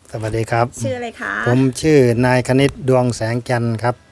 สวัสดีครับชื่ออะไรคะผมชื่อนายคณิตดวงแสงจันทร์ครับ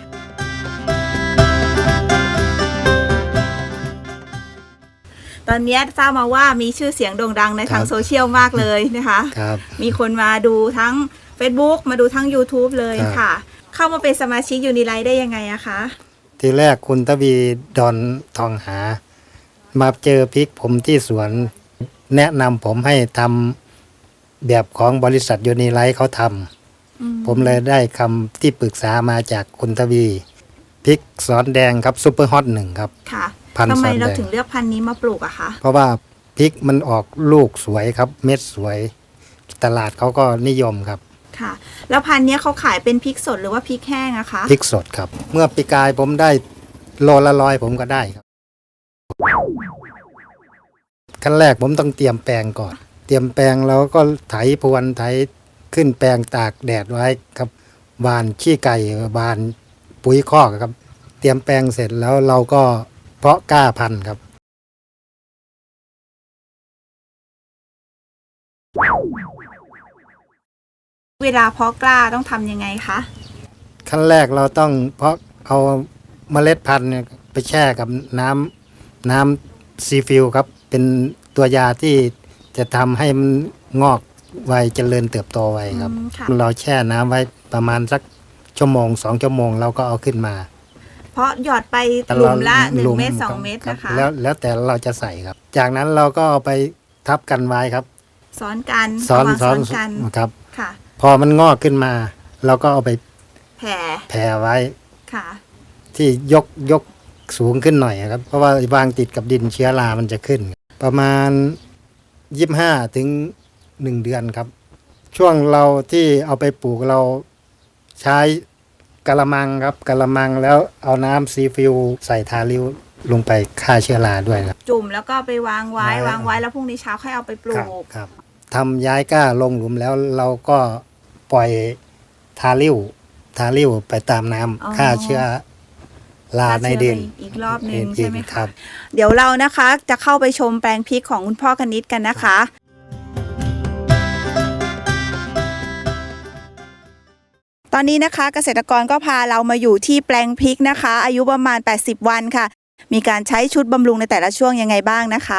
ตอนนี้ทราบมาว่ามีชื่อเสียงโด่งดังในทางโซเชียลมากเลยนะคะครับมีคนมาดูทั้ง Facebook มาดูทั้ง YouTube เลยค่ะเข้ามาเป็นสมาชิกยูนิไลท์ได้ยังไงอะคะทีแรกคุณทวีดอนทองหามาเจอพริกผมที่สวนแนะนำผมให้ทำแบบของบริษัทยูนิไลท์เขาทำผมเลยได้คำที่ปรึกษามาจากคุณทวีพริกสอนแดงครับซุปเปอร์ฮอต1ครับค่ะทำไมเราถึงเลือกพันธุ์นี้มาปลูกอะคะเพราะว่าพริกมันออกลูกสวยครับเม็ดสวยตลาดเขาก็นิยมครับค่ะแล้วพันธุ์นี้เขาขายเป็นพริกสดหรือว่าพริกแห้งอะคะพริกสดครับเมื่อปีกายผมได้โลละ100ผมก็ได้ครับขั้นแรกผมต้องเตรียมแปลงก่อนเตรียมแปลงแล้วก็ไถพรวนไถขึ้นแปลงตากแดดไว้ครับหว่านขี้ไก่หว่านปุ๋ยคอกครับเตรียมแปลงเสร็จแล้วเราก็เพาะกล้าพันธุ์ครับเวลาเพาะกล้าต้องทำยังไงคะขั้นแรกเราต้องเพาะเอาเมล็ดพันธุ์ไปแช่กับน้ำซีฟิลครับเป็นตัวยาที่จะทำให้มันงอกไวเจริญเติบโตไวครับเราแช่น้ำไว้ประมาณสักชั่วโมง2 ชั่วโมงเราก็เอาขึ้นมาเพราะหยอดไปหลุมละ1 เม็ด2 เม็ดนะคะแล้วแต่เราจะใส่ครับจากนั้นเราก็เอาไปทับกันไว้ครับซ้อนกันซ้อนกันครับค่ะพอมันงอกขึ้นมาเราก็เอาไปแผ่ไว้ค่ะที่ยกสูงขึ้นหน่อยครับเพราะว่าวางติดกับดินเชื้อรามันจะขึ้นประมาณ25 ถึง 1 เดือนครับช่วงเราที่เอาไปปลูกเราใช้กะละมังครับกะละมังแล้วเอาน้ำซีฟิลใส่ทาริ้วลงไปฆ่าเชื้อราด้วยครับจุ่มแล้วก็ไปวางไว้แล้วพรุ่งนี้เช้าค่อยเอาไปปลูกครับทำย้ายก้าลงหลุมแล้วเราก็ปล่อยทาริ้วไปตามน้ำฆ่าเชื้อราในดินอีกรอบนึงใช่ไหมครับเดี๋ยวเรานะคะจะเข้าไปชมแปลงพริกของคุณพ่อคณิตกันนะคะตอนนี้นะคะเกษตรกรก็พาเรามาอยู่ที่แปลงพริกนะคะอายุประมาณ80 วันค่ะมีการใช้ชุดบำรุงในแต่ละช่วงยังไงบ้างนะคะ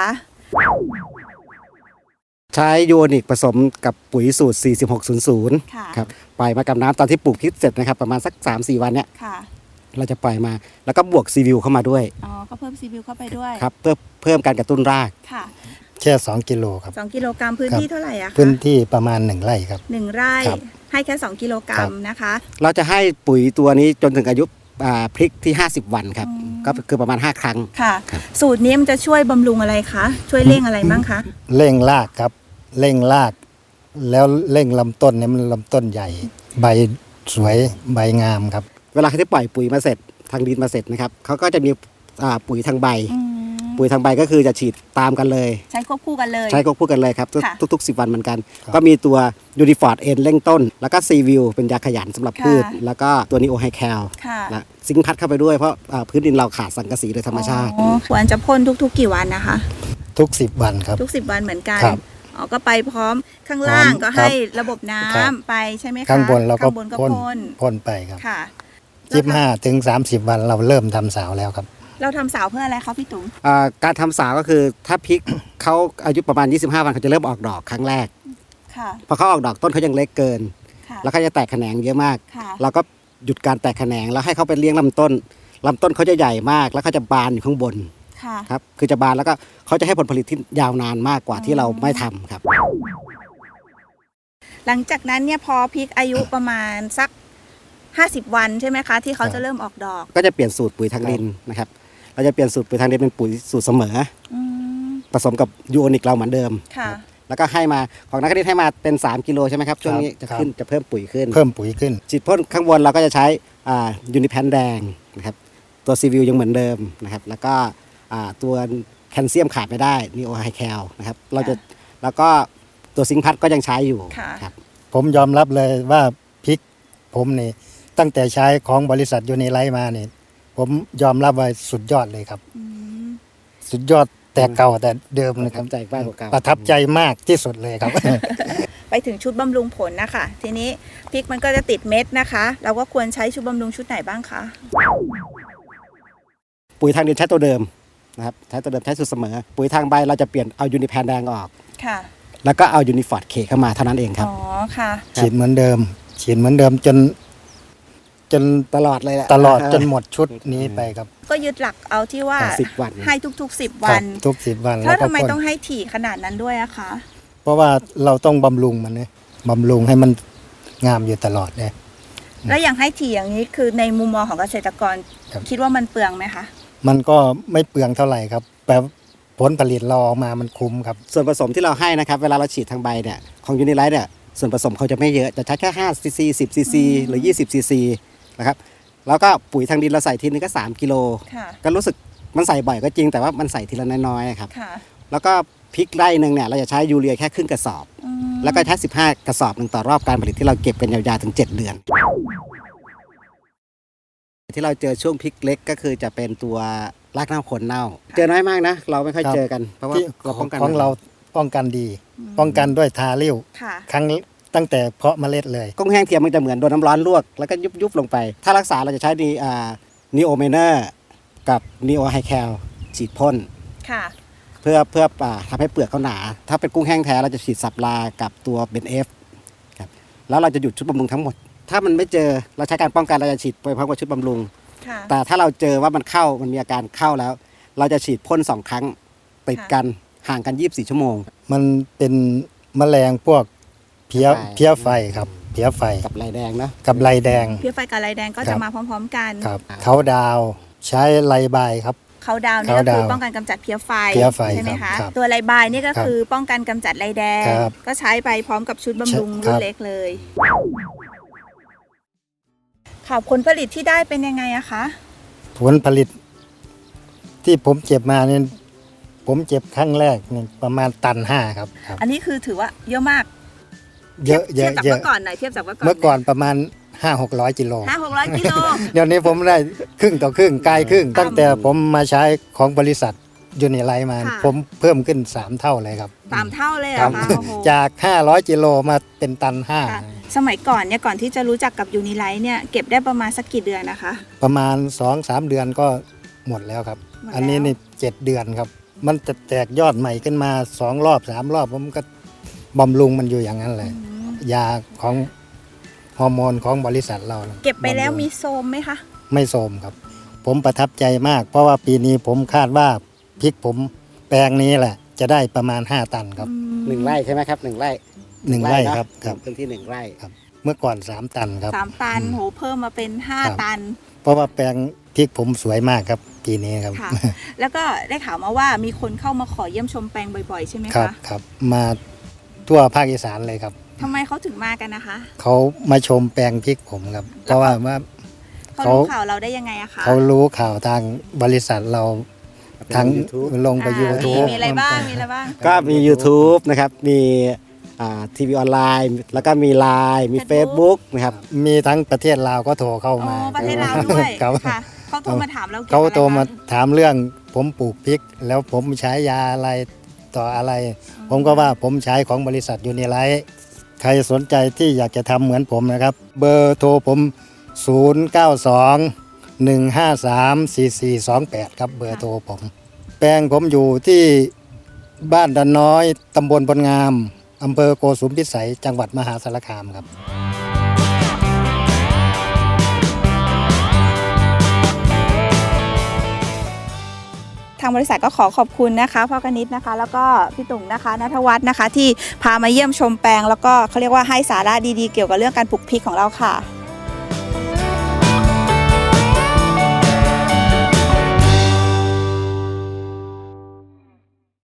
ใช้ยูโอนิกผสมกับปุ๋ยสูตร4600ครับปล่อยมากับน้ำตอนที่ปลูกพริกเสร็จนะครับประมาณสัก 3-4 วันเนี่ยเราจะปล่อยมาแล้วก็บวกซีวิวเข้ามาด้วยก็เพิ่มซีวิวเข้าไปด้วยครับเพื่อเพิ่มการกระตุ้นรากค่ะแค่2 กิโลครับ 2 กิโลกรัมพื้นที่เท่าไหร่อะคะพื้นที่ประมาณ1 ไร่ครับ 1 ไร่ให้แค่2 กิโลกรัมนะคะเราจะให้ปุ๋ยตัวนี้จนถึงอายุพริกที่50 วันครับก็คือประมาณ5 ครั้งค่ะสูตรนี้มันจะช่วยบำรุงอะไรคะช่วยเร่งอะไรบ้างคะเร่งรากครับเร่งรากแล้วเร่งลำต้นเนี่ยมันลำต้นใหญ่ใบสวยใบงามครับเวลาที่ปล่อยปุ๋ยมาเสร็จทางดินมาเสร็จนะครับเขาก็จะมีปุ๋ยทางใบก็คือจะฉีดตามกันเลยใช้ควบคู่กันเลยครับทุกๆ10 วันเหมือนกันก็มีตัวยูนิฟอร์ดเอ็นเร่งต้นแล้วก็ซีวิวเป็นยาขยันสำหรับพืชแล้วก็ตัวนีโอไฮแคลและซิงค์พัดเข้าไปด้วยเพราะพื้นดินเราขาดสังกะสีโดยธรรมชาติควรจะพ่นทุกๆกี่วันนะคะทุก10 วันครับทุก10 วันเหมือนกันก็ไปพร้อมข้างล่างก็ให้ระบบน้ำไปใช่ไหมคะข้างบนเราก็พ่นไปครับค่ะ25 ถึง 30 วันเราเริ่มทำสาวแล้วครับเราทำสาวเพื่ออะไรคะพี่ตุ๋มการทำสาวก็คือถ้าพริกเขาอายุประมาณ25 วันเขาจะเริ่มออกดอกครั้งแรกพอเขาออกดอกต้นเขายังเล็กเกินแล้วเขาจะแตกแขนงเยอะมากเราก็หยุดการแตกแขนงแล้วให้เขาไปเลี้ยงลำต้นเขาจะใหญ่มากแล้วเขาจะบานอยู่ข้างบนครับคือจะบานแล้วก็เขาจะให้ผลผลิตที่ยาวนานมากกว่าที่เราไม่ทำครับหลังจากนั้นเนี่ยพอพริกอายุประมาณสัก50 วันใช่ไหมคะที่เขาจะเริ่มออกดอกก็จะเปลี่ยนสูตรปุ๋ยทางดินนะครับเราจะเปลี่ยนสูตรปุ๋ยทางดินเป็นปุ๋ยสูตรเสมอผสมกับยูโอนิกเราเหมือนเดิมแล้วก็ให้มาของนักเรียนให้มาเป็น3 กิโลใช่ไหมครับช่วงนี้จะเพิ่มปุ๋ยขึ้นฉีดพ่นข้างบนเราก็จะใช้ยูนิแพนแดงนะครับตัวซีวิวยังเหมือนเดิมนะครับแล้วก็ตัวแคลเซียมขาดไม่ได้นีโอไฮแคลนะครับแล้วก็ตัวซิงค์พัดก็ยังใช้อยู่ครับผมยอมรับเลยว่าพริกผมนี่ตั้งแต่ใช้ของบริษัทยูนิไลท์มาเนี่ยผมยอมรับว่าสุดยอดเลยครับสุดยอดแต่เก่าแต่เดิมนะครับใจมากกว่าเก่าประทับใจมากที่สุดเลยครับไปถึงชุดบำรุงผลนะคะทีนี้พริกมันก็จะติดเม็ดนะคะเราก็ควรใช้ชุดบำรุงชุดไหนบ้างคะปุ๋ยทางดินใช้ตัวเดิมนะครับใช้ตัวเดิมใช้สูตรเสมอปุ๋ยทางใบเราจะเปลี่ยนเอายูนิแพนแดงออกค่ะแล้วก็เอายูนิฟอร์ดเคเข้ามาเท่านั้นเองครับอ๋อค่ะฉีดเหมือนเดิมฉีดเหมือนเดิมจนตลอดเลยแหละตลอดจนหมดชุดนี้ไปครับก็ยึดหลักเอาที่ว่า 10 วันให้ทุกๆ10 ครัวับนทุก10 วันแล้แล้ว วก็ทำไมพ่นต้องให้ถี่ขนาดนั้นด้วยอะคะเพราะว่าเราต้องบำรุงมันเนี่ยบำรุงให้มันงามอยู่ตลอดเนี่ยแล้วอย่างให้ถี่อย่างนี้คือในมุมมองของเกษตรกรครับคิดว่ามันเปลืองไหมคะมันก็ไม่เปลืองเท่าไหร่ครับแต่ผลผลิตเราออกมามันคุ้มครับส่วนผสมที่เราให้นะครับเวลาเราฉีดทางใบเนี่ยของยูนิไลท์เนี่ยส่วนผสมเขาจะไม่เยอะจะใช้แค่5ซีซี10ซีซีหรือ20ซีซีนะครับแล้วก็ปุ๋ยทางดินเราใส่ทีนึงก็3กิโลค่ะก็รู้สึกมันใส่บ่อยก็จริงแต่ว่ามันใส่ทีละน้อยๆครับค่ะแล้วก็พริกไร่หนึ่งเนี่ยเราจะใช้ยูเรียแค่ครึ่งกระสอบอืมแล้วก็ใช้15กระสอบหนึ่งต่อรอบการผลิตที่เราเก็บกันยาวๆถึง7 เดือน ที่เราเจอช่วงพริกเล็กก็คือจะเป็นตัวรากเน่าโคนเน่า เจอน้อยมากนะ เราไม่ค่อยครับเจอกันเพราะว่าที่เราป้องกันของเราป้องกันดี ป้องกันด้วยทาริ้วค่ะครั้งตั้งแต่เพาะเมล็ดเลยกุ้งแห้งเทียมมันจะเหมือนโดนน้ำร้อนลวกแล้วก็ยุบๆลงไป ถ้ารักษาเราจะใช้นีโอเมเนอร์กับนีโอไฮแคลฉีดพ่นค่ะเพื่อทำให้เปลือกเขาหนา ถ้าเป็นกุ้งแห้งแท้เราจะฉีดสับลากับตัวเบนเอฟครับแล้วเราจะหยุดชุดบำรุงทั้งหมด ถ้ามันไม่เจอเราใช้การป้องกันเราจะฉีดไปพร้อมกับชุดบำรุงค่ะแต่ถ้าเราเจอว่ามันมีอาการเข้าแล้ว เราจะฉีดพ่น2 ครั้งติดกันห่างกัน24 ชั่วโมงมันเป็นแมลงพวกเพี้ยไฟเพี้ยไฟครับเพี้ยไฟกับลายแดงนะกับลายแดงเพี้ยไฟกับลายแดงก็ครัจะบมาพร้อมๆกันครับเขาดาวใช้ไลบายครับเขาดาวน์นี่เขาก็ดาคือวน์ป้องกันกำจัดเพี้ยไฟเพี้ยไฟใช่ไหมครัคะบครับตัวลายบายนี่ก็ครับคือป้องกันกำจัดลายแดงครับก็ใช้ไปพร้อมกับชุดบำรุงครัรุ่นบเล็กเลยค่ะผลผลิตที่ได้เป็นยังไงอะคะผลผลิตที่ผมเก็บมาเนี่ยผมเก็บครั้งแรกเนี่ยประมาณตัน 5ครับครับอันนี้คือถือว่าเยอะมากเยอะเยเทียอะบจากเยเมื่อะอก่อนหน่อยเทียบจากเมื่อก่อนเมื่อก่อนประมาณ 500-600 กิโล 500-600 กิโลเดี๋ยวนี้ผมได้ครึ่งต่อครึ่งกลายครึ่ง ตั้งแต่ผมมาใช้ของบริษัทยูนิไลท์มาค่ะผมเพิ่มขึ้น 3 เท่าเลยครับ 3 เท่าเลยเหรครัอบ คะโอ้โหจาก 500 กิโลมาเป็นตันค่ะสมัยก่อนเนี่ยก่อนที่จะรู้จักกับยูนิไลท์เนี่ยเก็บได้ประมาณสักกี่เดือนนะคะ 5 ประมาณ 2-3 เดือนก็หมดแล้วครับหมดแล้วอันนี้นี่7 เดือนครับ มันจะแตกยอดใหม่ขึ้นมา2 รอบ 3 รอบผมก็บำรุงมันอยู่อย่างนั้นเลย ยาของฮอร์โมนของบริษัทเรานะเก็บไปแล้วบำรุงมีโซมไหมคะไม่โทรมครับ ผมประทับใจมาก เพราะว่าปีนี้ผมคาดว่าพริกผมแปลงนี้แหละ จะได้ประมาณ 5 ตันครับ 1 ไร่ใช่ไหมครับ1 ไร่ 1 ไร่นะครับครับพื้นที่1 ไร่เมื่อก่อน 3 ตันครับ 3 ตันโหเพิ่มมาเป็นครับ 5 ตันเพราะว่าแปลงพริกผมสวยมากครับ ปีนี้ครับค่ะ แล้วก็ได้ข่าวมาว่ามีคนเข้ามาขอเยี่ยมชมแปลงบ่อยๆ ใช่ไหมครับคะครับ มาทั่วภาคอีสานเลยครับทำไมเขาถึงมากันนะคะเขามาชมแปลงพริกผมครับ เพราะว่าเขารู้ข่าวเราได้ยังไงอะคะเขารู้ข่าวทางบริษัทเราทั้ง YouTube ลงไปอ่ายูทูบมีอะไรบ้างมีอะไรบ้างก็มี YouTube นะครับมีทีวีออนไลน์แล้วก็มี Line มี Facebook นะครับมีทั้งประเทศลาวก็โทรเข้าอ๋อมาประเทศลาวด้วยครับค่ะเขาโทรมาถามเรากี่ยวเขากับอะไรโทรมาบ้งถามเรื่องผมปลูกพริก แล้วผมใช้ยาอะไรต่ออะไร ผมก็ว่าผมใช้ของบริษัทยูนิไลท์ใครสนใจที่อยากจะทำเหมือนผมนะครับ เบอร์โทรผม 092-153-4428 ครับเบอร์โทรผม แปลงผมอยู่ที่บ้านดันน้อยตำบลพลงามอำเภอโกสุมพิสัยจังหวัดมหาสารคามครับทางบริษัทก็ขอขอบคุณนะคะพ่อกนิษฐ์นะคะ แล้วก็พี่ตุ่งนะคะณัฐวัฒน์นะคะ ที่พามาเยี่ยมชมแปลง แล้วก็เขาเรียกว่าให้สาระดีๆเกี่ยวกับเรื่องการปลูกพริกของเราค่ะ